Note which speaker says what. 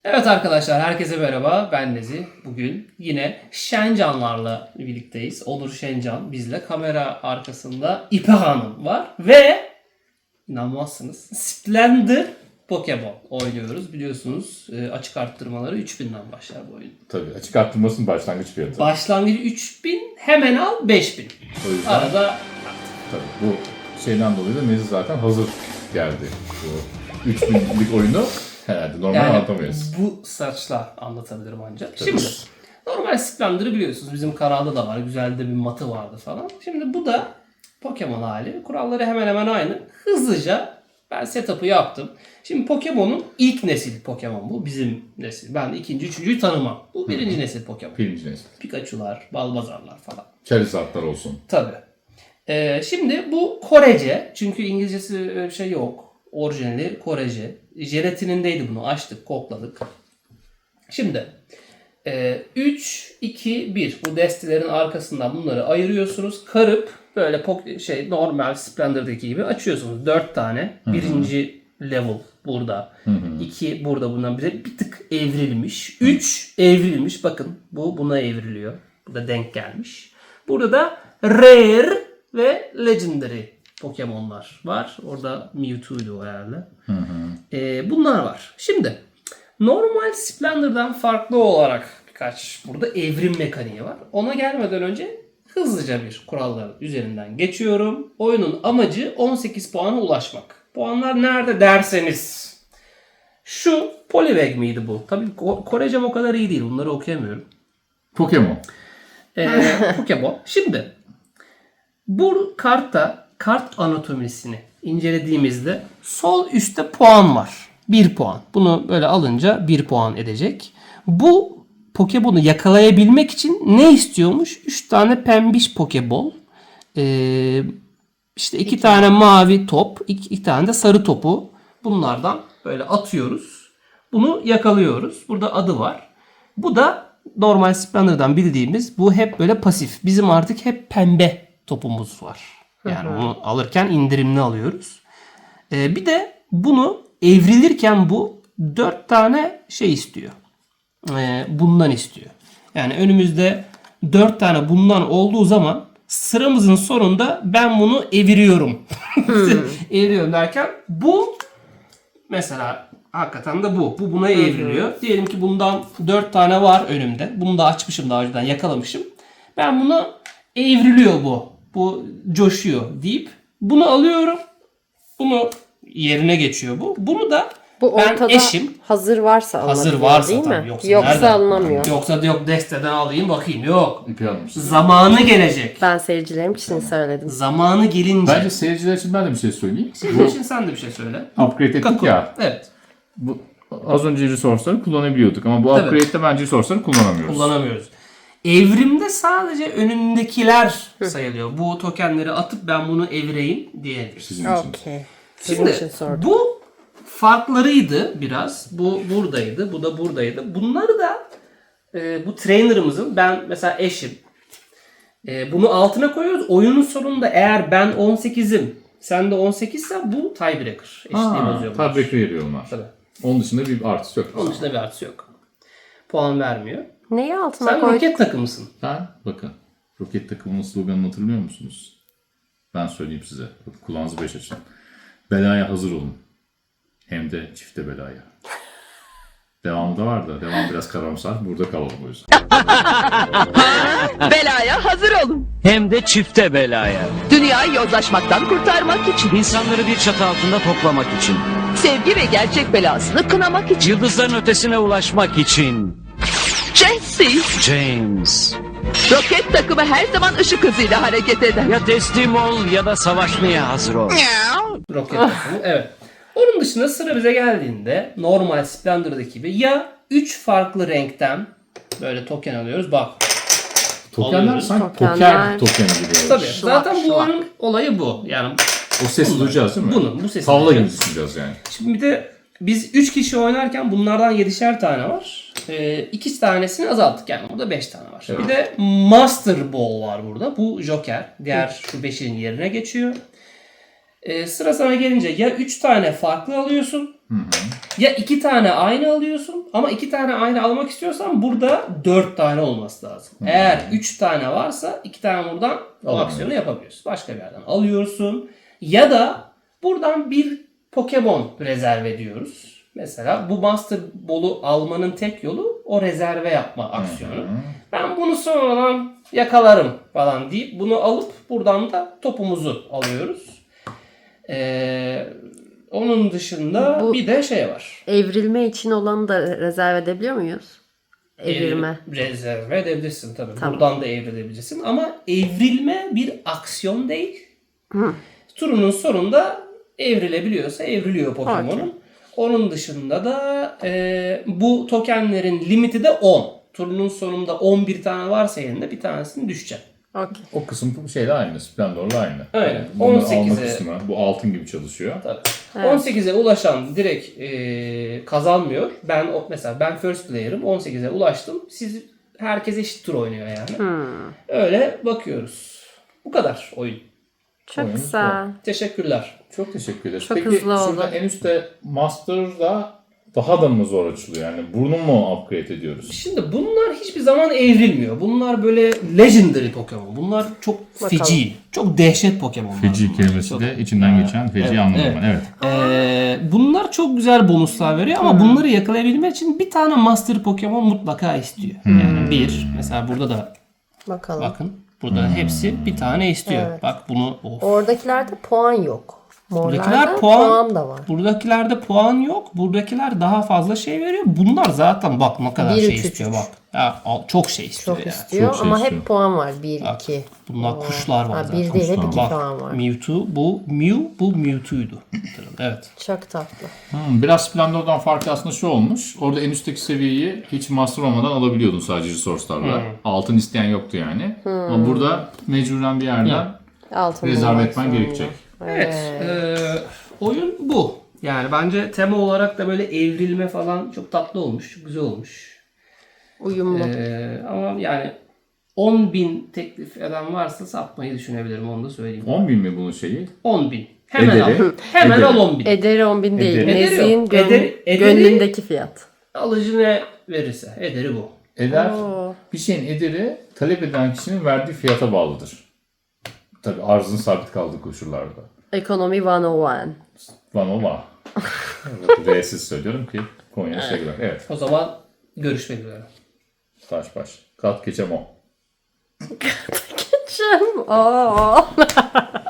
Speaker 1: Evet arkadaşlar, herkese merhaba. Ben Nezi. Bugün yine Şencanlarla birlikteyiz. Onur Şencan bizle. Kamera arkasında İpek Hanım var. Ve inanmazsınız, Splendor Pokemon oynuyoruz. Biliyorsunuz açık arttırmaları 3000'den başlar bu oyun.
Speaker 2: Tabii açık arttırmasının başlangıç fiyatı.
Speaker 1: Başlangıcı 3000, hemen al 5000.
Speaker 2: O yüzden
Speaker 1: Arada
Speaker 2: tabii bu şeyden dolayı da Nezi zaten hazır geldi. Bu 3000'lik oyunu herhalde normal anlatamayız.
Speaker 1: bu saçla anlatabilirim ancak. Şimdi normal Splendor'ı biliyorsunuz. Bizim kanalda da var. Güzel de bir matı vardı falan. Şimdi bu da Pokemon hali. Kuralları hemen hemen aynı. Hızlıca ben setup'ı yaptım. Şimdi Pokemon'un ilk nesil Pokemon bu. Bizim nesil. Ben ikinci, üçüncüyü tanımam. Bu birinci nesil Pokemon.
Speaker 2: Birinci nesil.
Speaker 1: Pikachu'lar, Balbazar'lar falan.
Speaker 2: Charizard'lar olsun.
Speaker 1: Tabii. Şimdi bu Korece. Çünkü İngilizcesi öyle bir şey yok. Orijinali Korece. Jelatinindeydi, bunu açtık, kokladık. Şimdi 3, 2, 1 bu destelerin arkasından bunları ayırıyorsunuz. Karıp böyle normal Splendor'daki gibi açıyorsunuz. 4 tane. Birinci level burada. 2 burada, bundan bir tık evrilmiş. 3 evrilmiş. Bakın bu buna evriliyor. Bu da denk gelmiş. Burada da Rare ve Legendary Pokemon'lar var. Orada Mewtwo'ydu o herhalde. Bunlar var. Şimdi normal Splendor'dan farklı olarak birkaç burada evrim mekaniği var. Ona gelmeden önce hızlıca bir kuralların üzerinden geçiyorum. Oyunun amacı 18 puana ulaşmak. Puanlar nerede derseniz. Şu Poliwag miydi bu? Tabii Korecem o kadar iyi değil. Bunları okuyamıyorum.
Speaker 2: Pokemon.
Speaker 1: Pokemon. Şimdi bu kartta kart anatomisini incelediğimizde sol üstte puan var. 1 puan. Bunu böyle alınca 1 puan edecek. Bu Pokemon'u yakalayabilmek için ne istiyormuş? 3 tane pembiş Pokeball. İşte 2 tane mavi top. 2 tane de sarı topu. Bunlardan böyle atıyoruz. Bunu yakalıyoruz. Burada adı var. Bu da normal Splendor'dan bildiğimiz, bu hep böyle pasif. Bizim artık hep pembe topumuz var. Yani bunu alırken indirimli alıyoruz. Bir de bunu evrilirken bu 4 tane şey istiyor. Bundan istiyor. Yani önümüzde 4 tane bundan olduğu zaman sıramızın sonunda ben bunu eviriyorum. Eviriyorum derken bu mesela hakikaten de bu. Bu buna evriliyor. Diyelim ki bundan 4 tane var önümde. Bunu da açmışım, daha önceden yakalamışım. Ben bunu evriliyor bu. Bu coşuyor deyip bunu alıyorum. Bunu yerine geçiyor bu. Bunu da
Speaker 3: Bu
Speaker 1: ben
Speaker 3: ortada
Speaker 1: eşim
Speaker 3: hazır varsa
Speaker 1: hazır
Speaker 3: alınabiliyor,
Speaker 1: varsa
Speaker 3: değil
Speaker 1: tabii.
Speaker 3: mi?
Speaker 1: Yoksa nereden?
Speaker 3: alınamıyor.
Speaker 1: Yoksa da yok desteden alayım bakayım. Yok.
Speaker 2: İpi almışsın.
Speaker 1: Zamanı gelecek.
Speaker 3: Ben seyircilerim için söyledim.
Speaker 1: Zamanı gelince.
Speaker 2: Bence seyirciler için ben de bir şey söyleyeyim.
Speaker 1: Senin için sen de bir şey söyle.
Speaker 2: Upgrade ettik
Speaker 1: Kakao.
Speaker 2: ya.
Speaker 1: Evet.
Speaker 2: Bu, az önce resource'ları kullanabiliyorduk ama bu
Speaker 1: Tabii.
Speaker 2: upgrade'de bence resource'ları kullanamıyoruz.
Speaker 1: Kullanamıyoruz. Evrimde sadece önündekiler sayılıyor. Bu tokenleri atıp ben bunu evireyim diyebiliriz.
Speaker 2: Sizin için.
Speaker 3: Okey. Sizin için
Speaker 1: Şimdi
Speaker 3: sordum.
Speaker 1: bu farklarıydı biraz. Bu buradaydı. Bu da buradaydı. Bunları da bu trainer'ımızın, ben mesela eşim. Bunu altına koyuyoruz. Oyunun sonunda eğer ben 18'im, sen de 18 ise bu tiebreaker. Eşitliği bozuyor. bunlar.
Speaker 2: Tabii veriyor onlar.
Speaker 1: Tabii.
Speaker 2: Onun dışında bir artısı yok.
Speaker 1: Onun dışında bir artısı yok. Puan vermiyor.
Speaker 3: Neyi altına
Speaker 1: Sen
Speaker 3: koyduk?
Speaker 1: roket takımısın.
Speaker 2: Bakın. Roket takımının sloganını hatırlıyor musunuz? Ben söyleyeyim size. Kulağınızı beş açın. Belaya hazır olun. Hem de çifte belaya. Devamı da var da. Devam biraz karamsar. Burada kalalım o yüzden.
Speaker 4: Belaya hazır olun.
Speaker 5: Hem de çifte belaya.
Speaker 4: Dünyayı yozlaşmaktan kurtarmak için.
Speaker 5: İnsanları bir çatı altında toplamak için.
Speaker 4: Sevgi ve gerçek belasını kınamak için.
Speaker 5: Yıldızların ötesine ulaşmak için.
Speaker 4: Jesse,
Speaker 5: James.
Speaker 4: roket takımı her zaman ışık hızıyla hareket eder.
Speaker 5: Ya teslim ol ya da savaşmaya hazır ol.
Speaker 1: Roket takımı. Evet. Onun dışında sıra bize geldiğinde normal Splendor'daki gibi ya 3 farklı renkten böyle token alıyoruz. Bak.
Speaker 2: Tokenler
Speaker 1: Alıyoruz.
Speaker 2: sanki
Speaker 3: Tokenler.
Speaker 2: poker tokeni gibi.
Speaker 1: Tabii.
Speaker 3: Şlak,
Speaker 1: Zaten bu
Speaker 3: şlak.
Speaker 1: oyunun olayı bu. Yani
Speaker 2: O sesi duyacağız değil mi?
Speaker 1: bu sesi
Speaker 2: Tavla gibi
Speaker 1: duyacağız.
Speaker 2: düşüneceğiz yani.
Speaker 1: Şimdi bir de biz 3 kişi oynarken bunlardan 7'şer tane var. 2 tanesini azalttık, yani burada 5 tane var.
Speaker 2: Evet.
Speaker 1: Bir de Master Ball var burada. Bu Joker. Diğer şu 5'in yerine geçiyor. Sıra sana gelince ya 3 tane farklı alıyorsun Ya 2 tane aynı alıyorsun ama 2 tane aynı almak istiyorsan burada 4 tane olması lazım. Eğer 3 tane varsa 2 tane buradan o
Speaker 2: Alamıyorum.
Speaker 1: aksiyonu yapabiliyorsun. Başka bir yerden alıyorsun. Ya da buradan bir Pokemon rezerve ediyoruz. Mesela bu Master Ball'u almanın tek yolu o rezerve yapma aksiyonu. Ben bunu sonradan yakalarım falan deyip bunu alıp buradan da topumuzu alıyoruz. Onun dışında
Speaker 3: Bu-
Speaker 1: bir de şey var.
Speaker 3: Evrilme için olanı da rezerv edebiliyor muyuz? Evrilme.
Speaker 1: Rezerve edebilirsin tabii.
Speaker 3: Tamam.
Speaker 1: Buradan da evrilebilirsin. Ama evrilme bir aksiyon değil. Turunun sonunda evrilebiliyorsa evriliyor Pokemon'un.
Speaker 3: Okey.
Speaker 1: Onun dışında da bu tokenlerin limiti de 10. Turunun sonunda 11 tane varsa elinde bir tanesini düşecek.
Speaker 3: Okey.
Speaker 2: O kısım şeyle aynı. Splendor'la aynı.
Speaker 1: Aynen.
Speaker 2: Yani bunları alma
Speaker 1: 18'e
Speaker 2: kısmı. Bu altın gibi çalışıyor.
Speaker 1: Tabii.
Speaker 3: Evet.
Speaker 1: 18'e ulaşan direkt kazanmıyor. Mesela ben first player'ım. 18'e ulaştım. Siz herkes eşit tur oynuyor yani. Öyle bakıyoruz. Bu kadar oyun.
Speaker 3: Çok
Speaker 2: Oyunumuz
Speaker 3: güzel.
Speaker 1: Teşekkürler.
Speaker 2: Çok teşekkür ederiz.
Speaker 3: Çok
Speaker 2: Peki
Speaker 3: hızlı oldu.
Speaker 2: şurada en üstte Master'da daha da mı zor açılıyor? Yani bunu mu upgrade ediyoruz?
Speaker 1: Şimdi bunlar hiçbir zaman evrilmiyor. Bunlar böyle legendary Pokemon. Bunlar çok feci. Çok dehşet Pokemonlar.
Speaker 2: Feci
Speaker 1: bunlar.
Speaker 2: kelimesi
Speaker 1: Çok-
Speaker 2: de içinden geçen feci anladım
Speaker 1: evet.
Speaker 2: ben. Evet.
Speaker 1: Bunlar çok güzel bonuslar veriyor ama bunları yakalayabilmek için bir tane Master Pokemon mutlaka istiyor. Yani mesela burada da
Speaker 3: Bakalım.
Speaker 1: bakın. Burada hepsi bir tane istiyor.
Speaker 3: Evet.
Speaker 1: Bak bunu of.
Speaker 3: Oradakilerde puan yok.
Speaker 1: Buradakiler
Speaker 3: Morlarda
Speaker 1: puan,
Speaker 3: puan da var.
Speaker 1: Buradakilerde puan yok. Buradakiler daha fazla şey veriyor. Bunlar zaten bak ne kadar
Speaker 3: 1,
Speaker 1: şey
Speaker 3: 3, 3,
Speaker 1: istiyor
Speaker 3: 3.
Speaker 1: bak. Ya, çok şey istiyor
Speaker 3: Çok
Speaker 1: yani.
Speaker 3: istiyor
Speaker 2: Çok şey
Speaker 3: ama
Speaker 2: istiyor.
Speaker 3: hep puan var. 1,
Speaker 1: Bak,
Speaker 3: 2.
Speaker 1: bunlar kuşlar var zaten.
Speaker 3: Bir değil hep
Speaker 2: Kuşlar
Speaker 3: 2
Speaker 1: Bak
Speaker 3: puan var.
Speaker 1: Mewtwo bu Mewtwo'ydu. Evet.
Speaker 3: Çok tatlı.
Speaker 2: Biraz Splendor'dan farkı aslında şu olmuş. Orada en üstteki seviyeyi hiç master olmadan alabiliyordun sadece resource'larla. Altın isteyen yoktu yani. Ama burada mecburen bir yerden
Speaker 3: Altın
Speaker 2: rezerve
Speaker 3: bulmak
Speaker 2: etmen
Speaker 3: zorunda.
Speaker 2: gerekecek.
Speaker 1: Evet. Oyun bu. Yani bence tema olarak da böyle evrilme falan çok tatlı olmuş. Çok güzel olmuş.
Speaker 3: Uyumlu.
Speaker 1: Ama yani 10.000 teklif eden varsa satmayı düşünebilirim. Onu da söyleyeyim.
Speaker 2: 10.000 mi bunun şeyi?
Speaker 1: 10.000. Hemen
Speaker 2: Ederi.
Speaker 1: al. Hemen
Speaker 2: Ederi.
Speaker 1: al 10.000.
Speaker 3: Ederi 10.000 değil.
Speaker 2: Ederi.
Speaker 3: Nezih'in
Speaker 1: yok. Ederi-
Speaker 3: gönlündeki fiyat.
Speaker 1: Alıcı ne verirse. Ederi bu.
Speaker 2: Eder,
Speaker 3: Oo.
Speaker 2: bir şeyin ederi talep eden kişinin verdiği fiyata bağlıdır. Tabii arzın sabit kaldığı koşullarda.
Speaker 3: Ekonomi 101.
Speaker 2: Vanova. R'siz söylüyorum ki Konya sevgiler. Evet.
Speaker 1: O zaman görüşmek üzere.
Speaker 2: Taş baş. Kat geçem o.
Speaker 3: Oo.